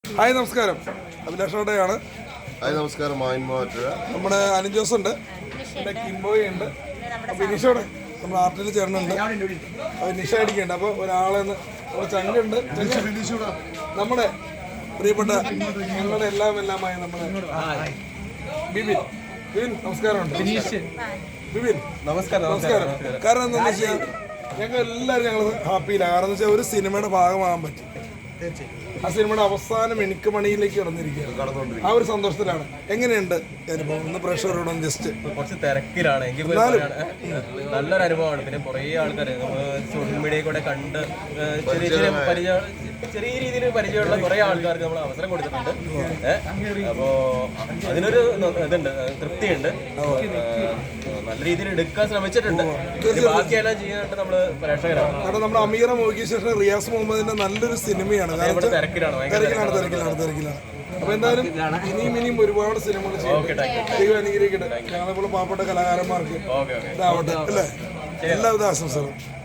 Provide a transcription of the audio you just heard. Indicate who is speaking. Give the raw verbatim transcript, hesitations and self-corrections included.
Speaker 1: Hi നമസ്കാരം, അഭിലാഷോടെയാണ്.
Speaker 2: Hi നമസ്കാരം.
Speaker 1: നമ്മുടെ അനിൽ ജോസ് ഉണ്ട്, നമ്മുടെ കിംബോയ് ഉണ്ട്, നിഷോടെ നമ്മുടെ ആർട്ടിൽ ചേർന്നുണ്ട്, നിഷ അടിക്കുന്നുണ്ട്. അപ്പോൾ ഒരാളെ നമ്മുടെ ചങ്കുണ്ട്, നമ്മുടെ പ്രിയപ്പെട്ട ഞങ്ങളുടെ എല്ലാം എല്ലാമായ നമ്മുടെ ബിബിൻ. ബിബിൻ നമസ്കാരമുണ്ട്. ബിബിൻ നമസ്കാരം. നമസ്കാരം. കാരണം എന്താണെന്ന് വെച്ചാൽ ഞങ്ങൾ എല്ലാവരും ഞങ്ങൾ ഹാപ്പിയിലാണ്. കാരണം എന്ന് വെച്ചാൽ ഒരു സിനിമയുടെ ഭാഗമാകാൻ പറ്റും. ആ സിനിമയുടെ അവസാനം എനിക്ക് മണിയിലേക്ക് കടന്നിരിക്കുകയാണ്. ആ ഒരു സന്തോഷത്തിലാണ്. എങ്ങനെയുണ്ട് അനുഭവം? ഇന്ന് പ്രേക്ഷകരോടൊന്ന് ജസ്റ്റ്
Speaker 3: കുറച്ച് തിരക്കിലാണ് എങ്കിൽ നല്ലൊരു അനുഭവമാണ്. പിന്നെ കുറേ ആൾക്കാർ നമ്മൾ സോഷ്യൽ മീഡിയയിൽ കൂടെ കണ്ട് ചെറിയ ചെറിയ പരിചയം ചെറിയ രീതിയിൽ പരിചയമുള്ള കുറേ ആൾക്കാർക്ക് നമ്മൾ അവസരം കൊടുത്തിട്ടുണ്ട്. അപ്പോൾ അതിനൊരു ഇതുണ്ട്, തൃപ്തിയുണ്ട്. നല്ല രീതിയിൽ എടുക്കാൻ ശ്രമിച്ചിട്ടുണ്ട്. ബാക്കിയെല്ലാം ചെയ്യാനായിട്ട് നമ്മൾ പ്രേക്ഷകരാണ്.
Speaker 1: കാരണം നമ്മുടെ അമീറ മോഹിക്ക് ശേഷം റിയാസ് മുഹമ്മദിന്റെ നല്ലൊരു സിനിമയാണ്.
Speaker 3: തിരക്കിലാണ്
Speaker 1: തിരക്കിലാണ് തിരക്കിലാണ് തിരക്കിലാണ് അപ്പൊ എന്തായാലും ഇനിയും ഇനിയും ഒരുപാട് സിനിമകൾ ചെയ്യും. അനുഗ്രഹിക്കട്ടെ. ഞങ്ങളെപ്പോലെ പാവപ്പെട്ട കലാകാരന്മാർക്ക് ഇതാവട്ടെ അല്ലേ? എല്ലാവിധ ആശംസകളും.